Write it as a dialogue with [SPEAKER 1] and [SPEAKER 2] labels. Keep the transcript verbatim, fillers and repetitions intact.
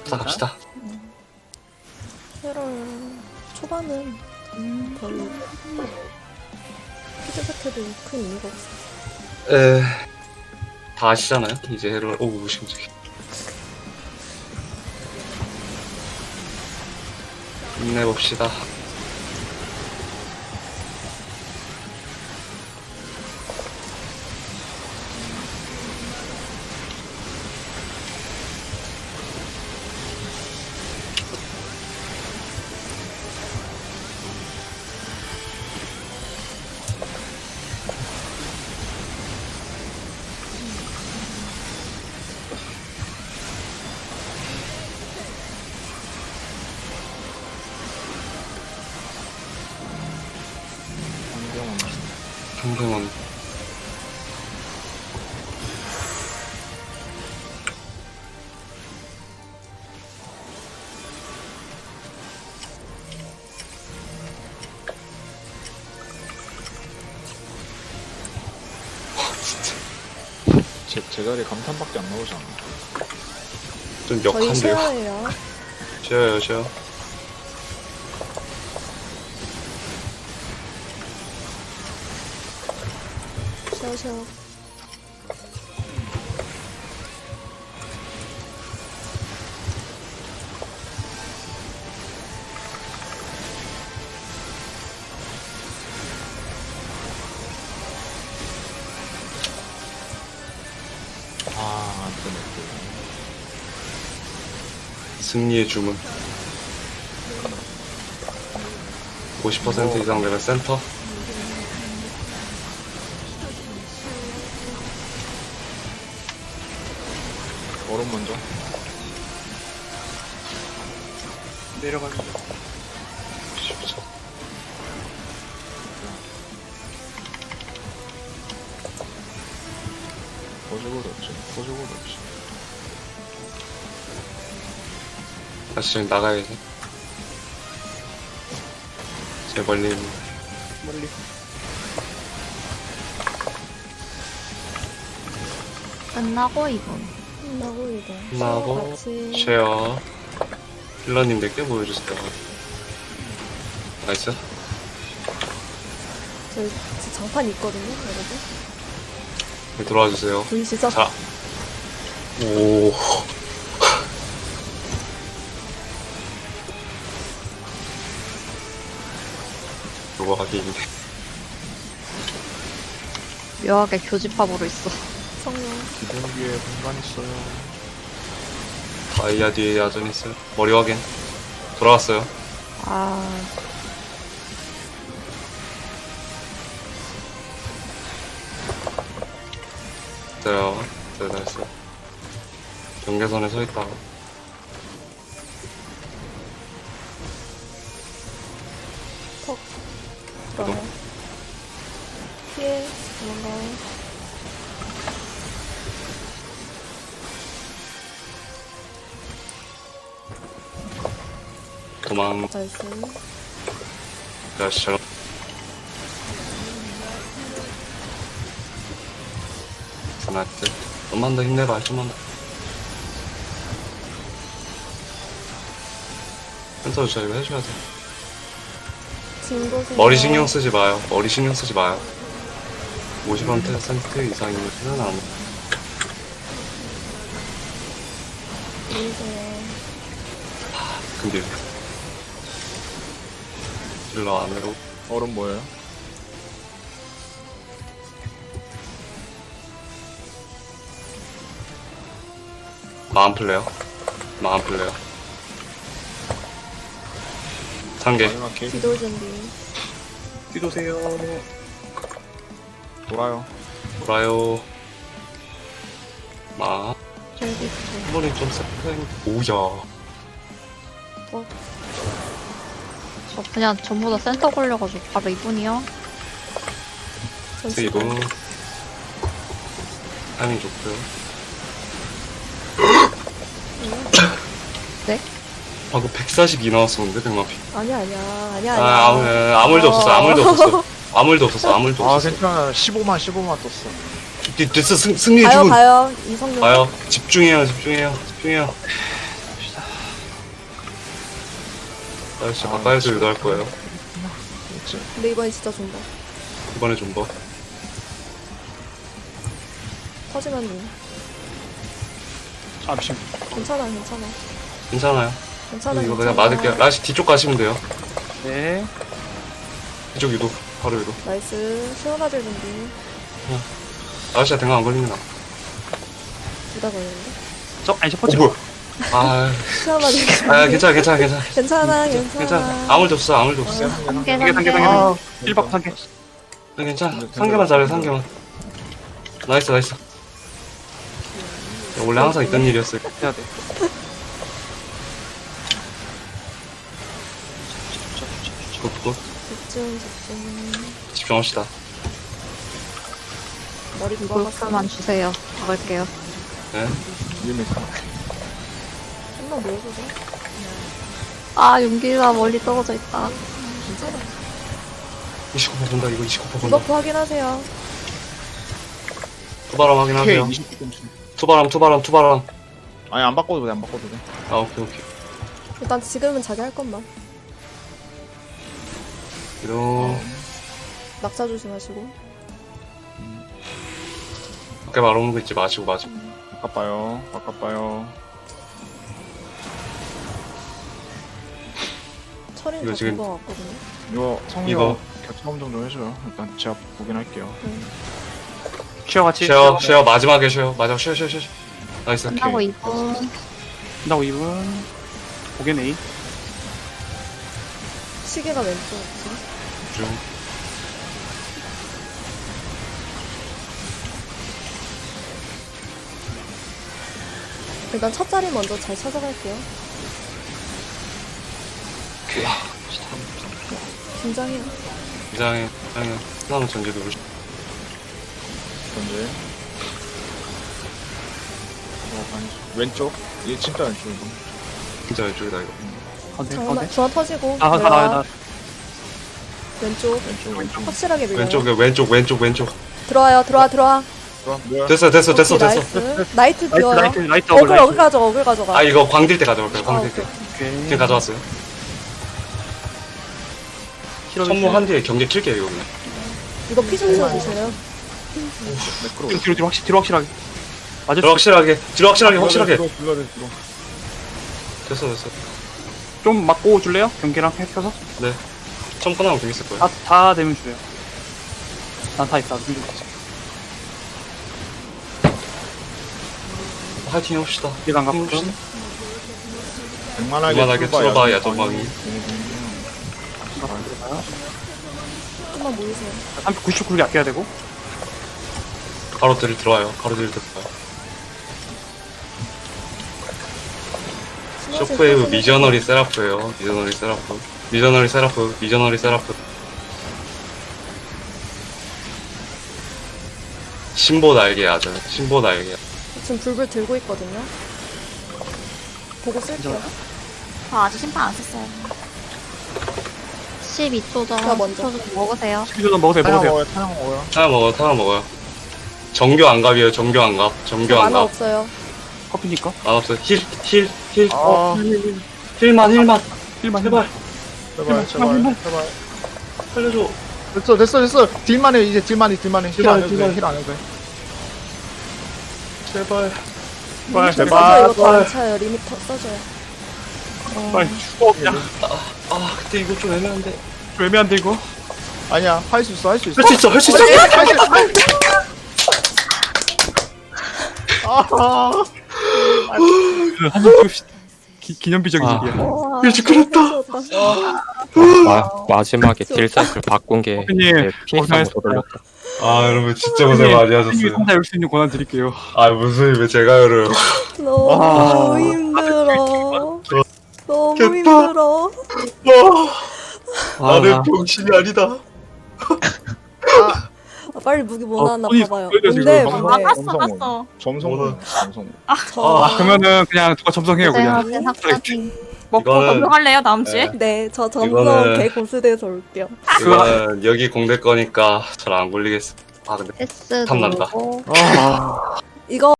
[SPEAKER 1] 자, 갑시다.
[SPEAKER 2] 캐럴 초반은 별로 피드백해도 큰 의미가 없어.
[SPEAKER 1] 에, 다 아시잖아요? 이제 해를, 오, 무심적이. 힘내봅시다. 평균은
[SPEAKER 3] 제, 제자리 감탄밖에 안 나오잖아.
[SPEAKER 1] 좀
[SPEAKER 2] 저희
[SPEAKER 1] 역한데요.
[SPEAKER 2] 쉐어예요.
[SPEAKER 1] 쉬어요, 쉬어.
[SPEAKER 2] 쉐어 쉐어.
[SPEAKER 3] 아, 안 되네.
[SPEAKER 1] 승리의 주문. 오십 퍼센트 이상 되면 센터.
[SPEAKER 3] 얼음 먼저.
[SPEAKER 1] 내려가는 거. 쉽죠.
[SPEAKER 3] 거죽을 없지. 거죽을 없지.
[SPEAKER 1] 다시 지금 나가야지. 제 멀리 있는. 멀리.
[SPEAKER 4] 끝나고 이분.
[SPEAKER 2] 끝나고 이거.
[SPEAKER 1] 끝나고
[SPEAKER 2] 쉐어 같이.
[SPEAKER 1] 쉐어. 힐러님 몇 개 보여주세요. 나이스.
[SPEAKER 2] 저희 지금 장판 있거든요, 여러분.
[SPEAKER 1] 네, 들어와 주세요.
[SPEAKER 2] 보이시죠?
[SPEAKER 1] 자. 오. 요거 하기 있네.
[SPEAKER 4] 묘하게 교집합으로 있어.
[SPEAKER 2] 성령.
[SPEAKER 3] 기둥기에 공간 있어요.
[SPEAKER 1] 다이아 뒤에 야전 있어요. 머리 확인. 돌아왔어요.
[SPEAKER 4] 아,
[SPEAKER 1] 됐어요. 네, 나이스. 경계선에 서 있다가.
[SPEAKER 2] 턱. 들어가요. 피해. 도망가요.
[SPEAKER 1] 도망.
[SPEAKER 2] 나이스.
[SPEAKER 1] 야시처럼. 나이스. 좀만 더 힘내봐, 좀만 더. 센터 주차 이거 해줘야 돼.
[SPEAKER 2] 진도세.
[SPEAKER 1] 머리 신경 쓰지 마요. 머리 신경 쓰지 마요. 오십 퍼센트 이상이면 안.
[SPEAKER 2] 보이세요.
[SPEAKER 1] 근데 딜러 안으로.
[SPEAKER 3] 얼음 뭐예요?
[SPEAKER 1] 마음 플레어. 마음 플레어. 상계.
[SPEAKER 3] 마지막 게임
[SPEAKER 2] 기도 준비.
[SPEAKER 1] 뒤도세요.
[SPEAKER 3] 돌아요.
[SPEAKER 1] 돌아요. 마.
[SPEAKER 4] 저기 있어.
[SPEAKER 1] 한 번에 좀 세팅. 오야.
[SPEAKER 4] 저 그냥 전부 다 센터 걸려가지고 바로 이분이요.
[SPEAKER 1] 세이브. 타이밍 좋고요.
[SPEAKER 4] 네?
[SPEAKER 1] 방금 백사십이 나왔었는데, 백마피.
[SPEAKER 2] 아니야, 아니야. 아니야, 아니야.
[SPEAKER 1] 아, 아무, 아무 일도 없었어. 아무 일도 없었어. 아무 일도 없었어. 아무 일도
[SPEAKER 3] 아,
[SPEAKER 1] 없었어.
[SPEAKER 3] 괜찮아. 십오만, 십오만 떴어.
[SPEAKER 1] 됐- 됐어. 승, 승리의
[SPEAKER 2] 가요,
[SPEAKER 1] 주문.
[SPEAKER 2] 가요. 이성룡.
[SPEAKER 1] 가요. 집중해요. 집중해요. 집중해요. 아저씨 가까이서 유도할 거예요.
[SPEAKER 3] 그렇지.
[SPEAKER 2] 근데 이번엔 진짜 존버.
[SPEAKER 1] 이번에 존버.
[SPEAKER 2] 터지면
[SPEAKER 3] 아 미친.
[SPEAKER 2] 괜찮아, 괜찮아.
[SPEAKER 1] 괜찮아요.
[SPEAKER 2] 괜찮아,
[SPEAKER 1] 이거
[SPEAKER 2] 괜찮아.
[SPEAKER 1] 그냥 맞을게요. 라시 뒤쪽 가시면 돼요.
[SPEAKER 3] 네.
[SPEAKER 1] 뒤쪽 유도. 바로 유도.
[SPEAKER 2] 나이스. 시원하질 준비.
[SPEAKER 1] 아저씨가 대강 안 걸리면 나.
[SPEAKER 2] 둘다 걸리는데?
[SPEAKER 3] 저 아니 첫
[SPEAKER 1] 어,
[SPEAKER 3] 번째.
[SPEAKER 1] 뭐야. 아,
[SPEAKER 2] 시원하질 준비.
[SPEAKER 1] 아, 괜찮아, 괜찮아, 괜찮아.
[SPEAKER 2] 괜찮아, 괜찮아.
[SPEAKER 1] 괜찮아. 아무 일 없어, 아무 일 없어.
[SPEAKER 4] 삼개
[SPEAKER 3] 삼개, 삼개,
[SPEAKER 4] 삼개.
[SPEAKER 3] 삼개. 일 박 삼 개.
[SPEAKER 1] 네, 괜찮아. 상개만 잘해, 상개만. 나이스, 나이스. 원래 항상 있던 일이었어요.
[SPEAKER 3] 해야 돼.
[SPEAKER 1] 굿, 굿.
[SPEAKER 2] 집중, 집중.
[SPEAKER 1] 집중합시다.
[SPEAKER 2] 머리 긁어봤어.
[SPEAKER 4] 골프만 주세요. 박을게요.
[SPEAKER 1] 네.
[SPEAKER 3] 위험했어.
[SPEAKER 2] 한번 모여보자.
[SPEAKER 4] 아, 용기가 멀리 떨어져 있다.
[SPEAKER 2] 괜찮아.
[SPEAKER 1] 이십구 퍼 본다, 이거 이십구 퍼 본다.
[SPEAKER 2] 디버프 확인하세요.
[SPEAKER 1] 투바람
[SPEAKER 3] 오케이.
[SPEAKER 1] 확인하세요.
[SPEAKER 3] 이십 분.
[SPEAKER 1] 투바람, 투바람, 투바람.
[SPEAKER 3] 아니 안 바꿔도 돼. 안 바꿔도 돼.
[SPEAKER 1] 아, 오케이, 오케이.
[SPEAKER 2] 일단 지금은 자기 할 것만.
[SPEAKER 1] 이동.
[SPEAKER 2] 낙차 조심하시고.
[SPEAKER 1] 밖에 말 오는 거 있지 마시고, 마시고.
[SPEAKER 3] 바꿔봐요. 바꿔봐요.
[SPEAKER 2] 철인
[SPEAKER 1] 이거
[SPEAKER 2] 다
[SPEAKER 1] 지금-
[SPEAKER 2] 본 거 같거든요.
[SPEAKER 3] 이거 성이가
[SPEAKER 1] 이거.
[SPEAKER 3] 교체험 좀 해줘요. 일단 제가 보긴 할게요.
[SPEAKER 2] 응.
[SPEAKER 3] 쉐어 같이.
[SPEAKER 1] 쉐어, 쉐어, 마지막에 쉐어. 마지막 쉐어, 쉐어, 쉐어. 나이스.
[SPEAKER 4] 끝나고 이 분.
[SPEAKER 3] 끝나고 이 분. 보겐 A.
[SPEAKER 2] 시계가 왼쪽 지금.
[SPEAKER 1] 중.
[SPEAKER 2] 일단 첫 자리 먼저 잘 찾아갈게요. 긴장해요.
[SPEAKER 1] 이장에, 이장에. 하나는 전제 누르시.
[SPEAKER 3] 현재. 어, 아니, 왼쪽. 얘 진짜 왼쪽 이거.
[SPEAKER 1] 진짜 왼쪽이다, 이거.
[SPEAKER 2] 잠깐만, 중앙 터지고.
[SPEAKER 3] 아, 나, 나,
[SPEAKER 2] 내려와.
[SPEAKER 3] 나.
[SPEAKER 2] 왼쪽.
[SPEAKER 3] 왼쪽 왼쪽.
[SPEAKER 2] 확실하게 밀어요.
[SPEAKER 1] 왼쪽에, 왼쪽, 왼쪽, 왼쪽.
[SPEAKER 2] 들어와요, 들어와, 들어와.
[SPEAKER 3] 좋아. 뭐야?
[SPEAKER 1] 됐어, 됐어, 됐어,
[SPEAKER 2] 오케이,
[SPEAKER 1] 됐어.
[SPEAKER 2] 나이스. 나이트 비워요.
[SPEAKER 3] 라이트 라이트
[SPEAKER 2] 어글, 어글 가져가, 어글 가져가.
[SPEAKER 1] 아, 이거 광딜 때 가져올게요,
[SPEAKER 2] 아,
[SPEAKER 1] 광딜
[SPEAKER 2] 오케이.
[SPEAKER 1] 때.
[SPEAKER 3] 오케이.
[SPEAKER 1] 지금 가져왔어요. 선무 한 뒤에 경계 킬게요, 이거 그냥.
[SPEAKER 2] 이거 피좀 채워주세요.
[SPEAKER 3] 매크로. 뒤로 뒤로 확실 뒤로 확실하게. 맞을
[SPEAKER 1] 뒤로 확실하게, 뒤로 확실하게, 확실하게.
[SPEAKER 3] 뒤로 뒤로 뒤로.
[SPEAKER 1] 됐어, 됐어.
[SPEAKER 3] 좀 맞고 줄래요? 경기랑 펴서?
[SPEAKER 1] 네. 처음 끝나면 되게 있을 거예요.
[SPEAKER 3] 다, 다 되면 줄래요. 난 다 있다. 준비 됐어.
[SPEAKER 1] 화이팅 해봅시다.
[SPEAKER 3] 기간
[SPEAKER 1] 화이팅
[SPEAKER 3] 갖고.
[SPEAKER 1] 해봅시다.
[SPEAKER 3] 웬만하게
[SPEAKER 1] 그만하게 틀어봐, 야전방이.
[SPEAKER 2] 좀만 모이세요.
[SPEAKER 3] 삼백구십구 개 아껴야 되고.
[SPEAKER 1] 가로들이 들어와요. 가로들이 들어와요. 쇼크웨이브 미저너리 세라프예요. 미저너리 세라프. 미저너리 세라프. 미저너리 세라프. 신보 날개 아죠. 신보 날개.
[SPEAKER 2] 지금 불불 들고 있거든요. 보고 쓸게요.
[SPEAKER 5] 저 아직 심판 안 썼어요.
[SPEAKER 4] 십이 초 전.
[SPEAKER 2] 자, 먼저.
[SPEAKER 4] 초 전 먹으세요.
[SPEAKER 3] 십이 점 먹으세요. 먹으세요.
[SPEAKER 1] 하나 먹어요. 하나 먹어요. 정교 안갑이에요. 정교 안갑. 정교
[SPEAKER 2] 만화
[SPEAKER 1] 안갑.
[SPEAKER 2] 없어요.
[SPEAKER 3] 커피니까.
[SPEAKER 1] 안 없어요. 힐, 힐, 힐.
[SPEAKER 3] 아.
[SPEAKER 1] 힐만, 힐만.
[SPEAKER 3] 힐만
[SPEAKER 1] 제발.
[SPEAKER 6] 제발 제발 제발
[SPEAKER 1] 살려줘.
[SPEAKER 6] 됐어 됐어 됐어 딜만 해 이제 딜만 해 딜만 해 힐 안 해도
[SPEAKER 1] 딜만,
[SPEAKER 6] 돼힐 안 해도 돼
[SPEAKER 1] 제발.
[SPEAKER 3] 제발
[SPEAKER 2] 리미터 써줘요.
[SPEAKER 3] 제발.
[SPEAKER 2] 이거 더 안 차요. 리미터 써줘요.
[SPEAKER 3] 빨리 죽어 그냥.
[SPEAKER 1] 아, 근데 이거 좀 애매한데.
[SPEAKER 3] 좀 애매한데 이거.
[SPEAKER 6] 아니야 할 수 있어 할 수 있어
[SPEAKER 1] 할 수 있어, 할 수 있어.
[SPEAKER 6] 아
[SPEAKER 3] 한번 찍읍시다. 기, 기념비적인
[SPEAKER 7] 아.
[SPEAKER 3] 일이야.
[SPEAKER 2] 와,
[SPEAKER 1] 일찍 끊었다.
[SPEAKER 7] 마, 마지막에 딜셋을 바꾼 게
[SPEAKER 3] 커피님,
[SPEAKER 7] 피닉스하고
[SPEAKER 3] 고생하셨어요.
[SPEAKER 7] 돌렸다.
[SPEAKER 1] 아, 여러분 진짜 고생 많이 하셨어요.
[SPEAKER 3] 혼자 열 수 있는 권한 드릴게요.
[SPEAKER 1] 아, 무슨 왜 제가 열어요.
[SPEAKER 2] 너무
[SPEAKER 3] 아.
[SPEAKER 2] 힘들어. 너무
[SPEAKER 1] 겠다.
[SPEAKER 2] 힘들어.
[SPEAKER 1] 나는 병신이 아니다.
[SPEAKER 2] 아, 빨리 무기 뭐
[SPEAKER 3] 어,
[SPEAKER 2] 나왔나
[SPEAKER 3] 손이
[SPEAKER 2] 봐봐요.
[SPEAKER 3] 보여줘, 지금.
[SPEAKER 2] 뭔데
[SPEAKER 3] 막-
[SPEAKER 2] 뭔데.
[SPEAKER 5] 아, 깠어,
[SPEAKER 6] 점성은.
[SPEAKER 5] 깠어.
[SPEAKER 6] 점성 점성
[SPEAKER 2] 저
[SPEAKER 3] 아, 그러면은 그냥 누가 점성해요 그냥.
[SPEAKER 4] 고생하신 학생.
[SPEAKER 5] 먹고
[SPEAKER 1] 이거는-
[SPEAKER 5] 검증할래요, 다음 주에?
[SPEAKER 2] 네, 저 점점
[SPEAKER 1] 이거는-
[SPEAKER 2] 개 고수돼서 올게요.
[SPEAKER 1] 이거는 여기 공대 거니까 잘 안 걸리겠어. 아, 근데
[SPEAKER 4] S
[SPEAKER 1] 탐난다.
[SPEAKER 4] 누르고.
[SPEAKER 3] 아.
[SPEAKER 2] 이거